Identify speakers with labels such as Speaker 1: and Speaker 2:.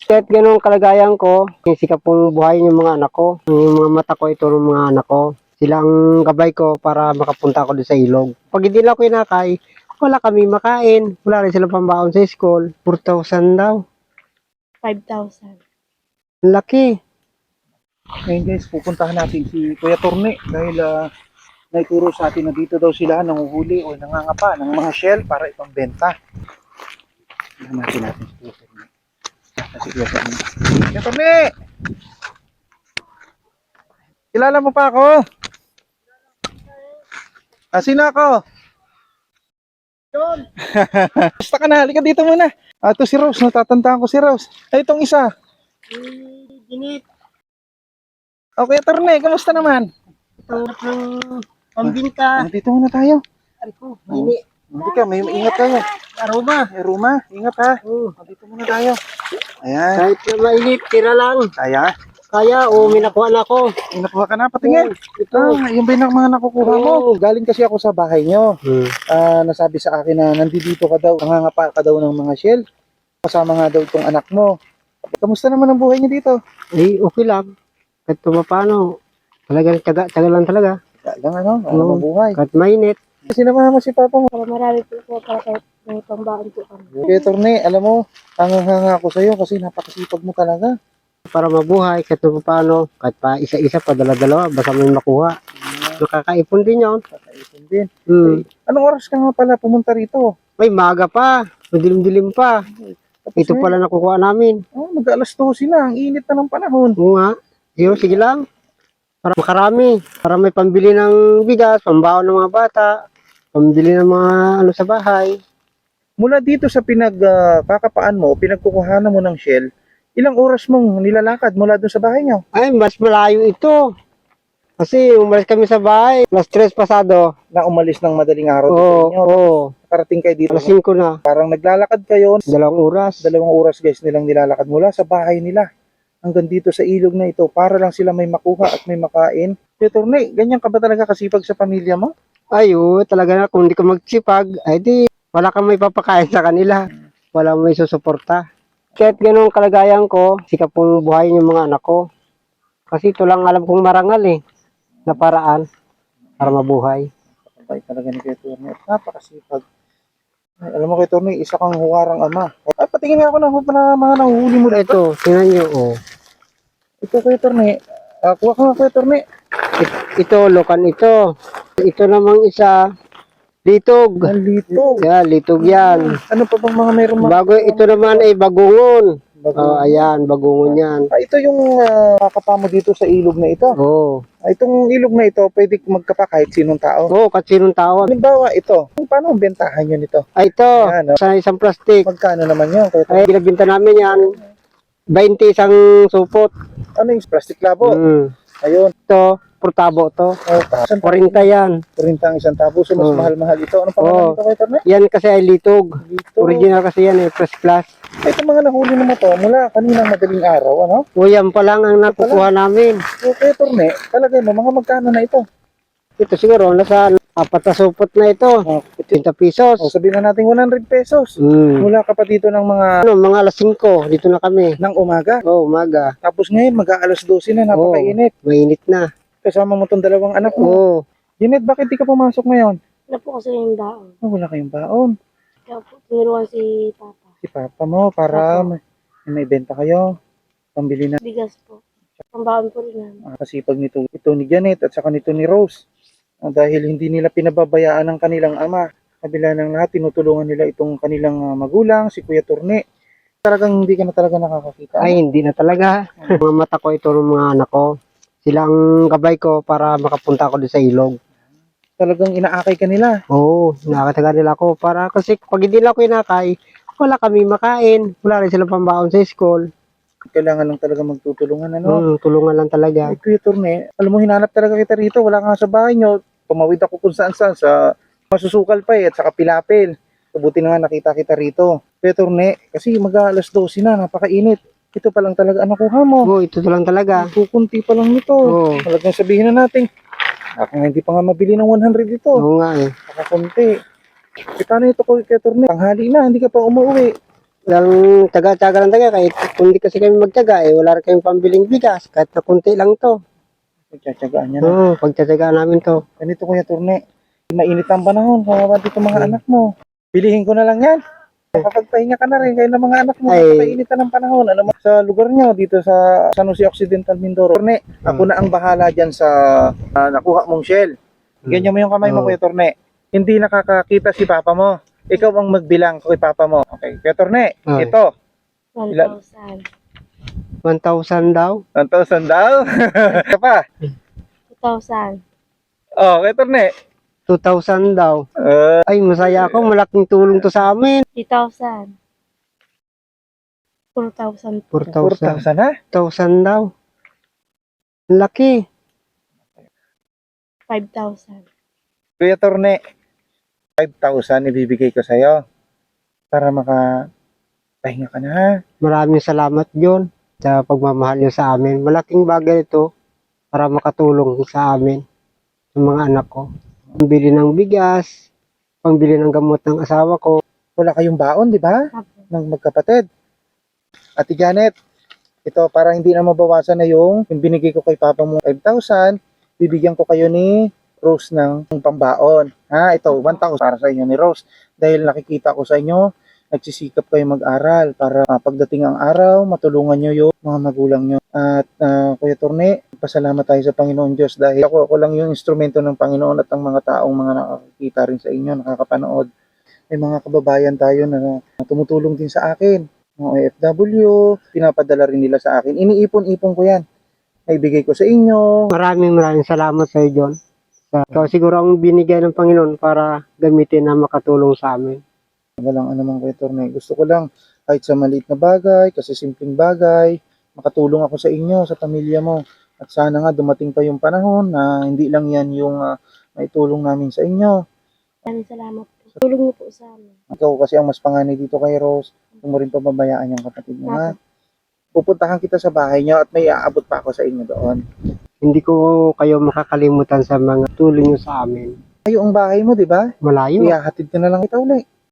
Speaker 1: Kahit ganun kalagayan ko, sikap pong buhayin yung mga anak ko. Yung mga mata ko, ito ng mga anak ko. Silang gabay ko para makapunta ako doon sa ilog. Pag hindi lang ako inakay, wala kami makain. Wala rin silang pambaon sa school. 4,000 daw.
Speaker 2: 5,000.
Speaker 1: Ang laki.
Speaker 3: Ngayon guys, pupuntahan natin si Kuya Torne dahil naituro sa atin na dito daw sila nanguhuli o nangangapa ng mga shell para ipambenta. Tingnan natin si Kuya Torne. Si Kuya Torne. Kuya Torne! Kilala mo pa ako? Sino ako?
Speaker 1: John!
Speaker 3: Basta ka na, halika dito muna. Ito si Rose, natatandaan ko si Rose. Ay, itong isa.
Speaker 1: Ginit.
Speaker 3: Okay, Torne, kamusta naman?
Speaker 1: Tanggap ng pambinta.
Speaker 3: Dito muna tayo.
Speaker 1: Ari ko, mini.
Speaker 3: Hindi ka, may ingat kayo.
Speaker 1: Aroma.
Speaker 3: Ay, Ruma, ingat ha. Dito muna tayo. Ayan.
Speaker 1: Kahit na mainit, tira lang.
Speaker 3: Kaya?
Speaker 1: Kaya, may nakuha na ako.
Speaker 3: Ay, nakuha ka na, patingin.
Speaker 1: Ito.
Speaker 3: Yung ba yung mga nakukuha mo? Galing kasi ako sa bahay nyo. Nasabi sa akin na nandito ka daw, nangangapa ka daw ng mga shell. Kasama nga daw itong anak mo. Kamusta naman ang buhay niyo dito?
Speaker 1: Eh, okay lang. Kahit paano, talagang tsaga lang talaga.
Speaker 3: Lang ano, ang buhay.
Speaker 1: Kahit mainit.
Speaker 3: Sinamahan mo si Papa mo.
Speaker 2: Para marami po para kahit may pambaon po kami.
Speaker 3: Kuya Torne, alam mo, hanga ako sa'yo kasi napakasipag mo talaga.
Speaker 1: Para mabuhay, kahit paano, kahit pa isa-isa, pa dala-dalawa, basta may makuha. Nakakaipon din yun.
Speaker 3: Kakaipon din. Anong oras ka nga pala pumunta rito?
Speaker 1: May maga pa, madilim-dilim pa.
Speaker 3: Tapos
Speaker 1: Ito pala nakukuha namin.
Speaker 3: mag-alas 12 na, ang init na ng panahon.
Speaker 1: Oo nga. Sige lang. Para makarami. Para may pambili ng bigas, pambaon ng mga bata, pambili ng mga sa bahay.
Speaker 3: Mula dito sa pinagkakapaan mo, pinagkukuhanan mo ng shell, ilang oras mong nilalakad mula doon sa bahay niyo?
Speaker 1: Ay, mas malayo ito. Kasi umalis kami sa bahay, plus 3 pasado.
Speaker 3: Na umalis ng madaling araw dito
Speaker 1: Oo,
Speaker 3: inyo.
Speaker 1: oo.
Speaker 3: Nakarating kayo dito.
Speaker 1: Alas 5 na.
Speaker 3: Parang naglalakad kayo.
Speaker 1: 2 oras.
Speaker 3: 2 oras guys nilang nilalakad mula sa bahay nila hanggang dito sa ilog na ito para lang sila may makuha at may makain. Kuya Torne, ganyan ka ba talaga kasipag sa pamilya mo?
Speaker 1: Ayo, talaga na kung hindi ka magsipag, ay di, wala kang may papakain sa kanila. Wala may susuporta. Kahit ganun kalagayan ko, sikap pong buhayin yung mga anak ko. Kasi ito lang alam kong marangal na paraan para mabuhay.
Speaker 3: Ay talaga ni Kuya Torne at napakasipag. Ay, alam mo Kuya Torne, isa kang huwarang ama. Ay, patingin nga ako ng mga nahuhuli mo dito.
Speaker 1: Ito, tingnan nyo,
Speaker 3: Ito Kuya Torne, kuha ka nga Kuya Torne.
Speaker 1: Ito, lokan ito. Ito namang isa, litog.
Speaker 3: Litog.
Speaker 1: Yeah, litog yan.
Speaker 3: Ano pa bang mga meron mga?
Speaker 1: Bago, ito naman ay bagungon. Ayan, bagungon yan.
Speaker 3: Ito yung kakapa mo dito sa ilog na ito.
Speaker 1: Oo.
Speaker 3: Itong ilog na ito, pwede magkapa kahit sinong tao.
Speaker 1: Oo, kasi sinong tawag.
Speaker 3: Halimbawa ito, paano ang bentahan nyo nito?
Speaker 1: Ay, ito,
Speaker 3: Ayan,
Speaker 1: sa isang plastic.
Speaker 3: Magkano naman yun?
Speaker 1: Ay, binabinta namin yan, 20 isang supot.
Speaker 3: Ano yung plastic labo? Ayun.
Speaker 1: Ito, portabo to. 40 yan.
Speaker 3: 40 ang isang tabo, so mas mahal-mahal ito. Anong pangalan nito Kuya Torne?
Speaker 1: Yan kasi ay litog.
Speaker 3: Litog.
Speaker 1: Original kasi yan first class.
Speaker 3: Ito mga nahuli naman to mula kaninang madaling araw, ano?
Speaker 1: O yan pa lang ang nakukuha namin.
Speaker 3: So Kuya Torne, talaga mo, mga magkano na ito?
Speaker 1: Ito siguro, nasa 4 na supot na ito. 50 pesos.
Speaker 3: O sabihin na natin 100 pesos. Mula ka pa dito ng mga
Speaker 1: Mga alas 5, dito na kami.
Speaker 3: ng umaga.
Speaker 1: Umaga.
Speaker 3: Tapos ngayon, mag-aalas 12 na, napakainit.
Speaker 1: Mainit na.
Speaker 3: Kasama mo tong dalawang anak mo. Janet, bakit di ka pumasok ngayon?
Speaker 2: Wala po kasi yung daon.
Speaker 3: Wala kayong baon.
Speaker 2: Kaya po, tinuruan si Papa.
Speaker 3: Si Papa mo, para may benta kayo. Pambili na.
Speaker 2: Bigas po. Pambaon po rin namin.
Speaker 3: Kasipag ito ni Janet at saka nito ni Rose. Dahil hindi nila pinababayaan ng kanilang ama. Kabila ng lahat, tinutulungan nila itong kanilang magulang, si Kuya Torne. Talagang hindi ka na talaga nakakakita.
Speaker 1: Ay, hindi na talaga. Mga mata ko ito ng mga anak ko. Silang gabay ko para makapunta ako doon sa ilog.
Speaker 3: Talagang inaakay ka nila.
Speaker 1: Oo, nakataga nila ako para kasi pag hindi lang ako inakay, wala kami makain. Wala rin silang pambaon sa school.
Speaker 3: Kailangan lang talaga magtutulungan, ano?
Speaker 1: Tulungan lang talaga.
Speaker 3: Ay, Kuya Torne, alam mo, hinanap talaga kita rito. Wala nga sa bahay nyo. Tumawid ako kung saan-saan sa masusukal pa at saka pilapil. Kabuti na nga nakita kita rito. Kuya Torne, kasi mag-aalas 12 na, napakainit. Ito pa lang talaga ang nakuha mo.
Speaker 1: Oo, ito lang talaga.
Speaker 3: Kukunti pa lang nito. Talagang sabihin na natin, hindi pa nga mabili ng 100 ito.
Speaker 1: Oo nga
Speaker 3: Nakakunti. Paano ito Kuya Torne? Tanghali na, hindi ka pa umuwi.
Speaker 1: Walang taga-taga lang taga. Kahit kung di kasi kami magtaga, wala rin kayong pambiling bigas. Kahit na kunti lang to.
Speaker 3: Pagtsatsagaan niya na.
Speaker 1: Oo, pagtatagaan namin to.
Speaker 3: Ganito Kuya Turne. Mainit ang panahon. Kawawa dito mga anak mo. Pilihin ko na lang yan. Kapagpahinga ka na rin kayo ng mga anak mo.
Speaker 1: Ay.
Speaker 3: Kainitan ng panahon. Ano sa lugar nyo dito sa San Jose Occidental Mindoro. Turne, ako na ang bahala dyan sa nakuha mong shell. Ganyan mo yung kamay mo,
Speaker 1: Oo.
Speaker 3: Kuya Turne. Hindi nakakakita si papa mo. Ikaw ang magbilang kay papa mo. Okay, Kuya Turne,
Speaker 1: Ay.
Speaker 3: ito.
Speaker 2: 1,000.
Speaker 1: 1,000 daw.
Speaker 3: 1,000 daw. Ito pa.
Speaker 2: 2,000.
Speaker 3: Oh, Kuya Turne.
Speaker 1: 2,000 daw.
Speaker 3: Uh,
Speaker 1: Ay, masaya ako. Malaking tulong to sa amin.
Speaker 2: 3,000. 4,000.
Speaker 1: 4,000.
Speaker 3: 4,000 ha?
Speaker 1: 1,000 daw. Ang laki.
Speaker 2: 5,000.
Speaker 3: Kuya Turne, 5,000 ibibigay ko sa'yo para makapahinga ka na ha.
Speaker 1: Maraming salamat, John, sa pagmamahal niyo sa amin. Malaking bagay ito para makatulong sa amin, sa mga anak ko. Pambili ng bigas, pambili ng gamot ng asawa ko.
Speaker 3: Wala kayong baon, di ba?
Speaker 2: Apo.
Speaker 3: Ng magkapatid. Ate Janet, ito para hindi na mabawasan na yung binigay ko kay papa mo 5,000, bibigyan ko kayo ni Rose ng pambaon. Ha, ito 1,000 para sa inyo ni Rose. Dahil nakikita ko sa inyo, nagsisikap kayo mag-aral para pagdating ang araw, matulungan nyo yung mga magulang nyo. At Kuya Turne, pasalamat tayo sa Panginoon Diyos dahil ako lang yung instrumento ng Panginoon at ang mga taong mga nakakita rin sa inyo, nakakapanood. May mga kababayan tayo na tumutulong din sa akin. Mga OFW, pinapadala rin nila sa akin. Iniipon-ipon ko yan. Naibigay ko sa inyo.
Speaker 1: Maraming salamat sa iyo, John. Ikaw siguro ang binigay ng Panginoon para gamitin na makatulong sa amin.
Speaker 3: Walang anumang Kuya Turne. Gusto ko lang kahit sa maliit na bagay, kasi simpleng bagay, makatulong ako sa inyo, sa pamilya mo. At sana nga dumating pa yung panahon na hindi lang yan yung maitulong namin sa inyo.
Speaker 2: Maraming salamat po. Tulong niyo po sa amin.
Speaker 3: Ikaw kasi ang mas panganay dito kay Rose. Huwag mo rin pababayaan yung kapatid mo ha. Pupuntahan kita sa bahay niyo at may aabot pa ako sa inyo doon.
Speaker 1: Hindi ko kayo makakalimutan sa mga tulong niyo sa amin.
Speaker 3: Kayo ang bahay mo, di ba?
Speaker 1: Malayo.
Speaker 3: Ihahatid ka na lang kita uli.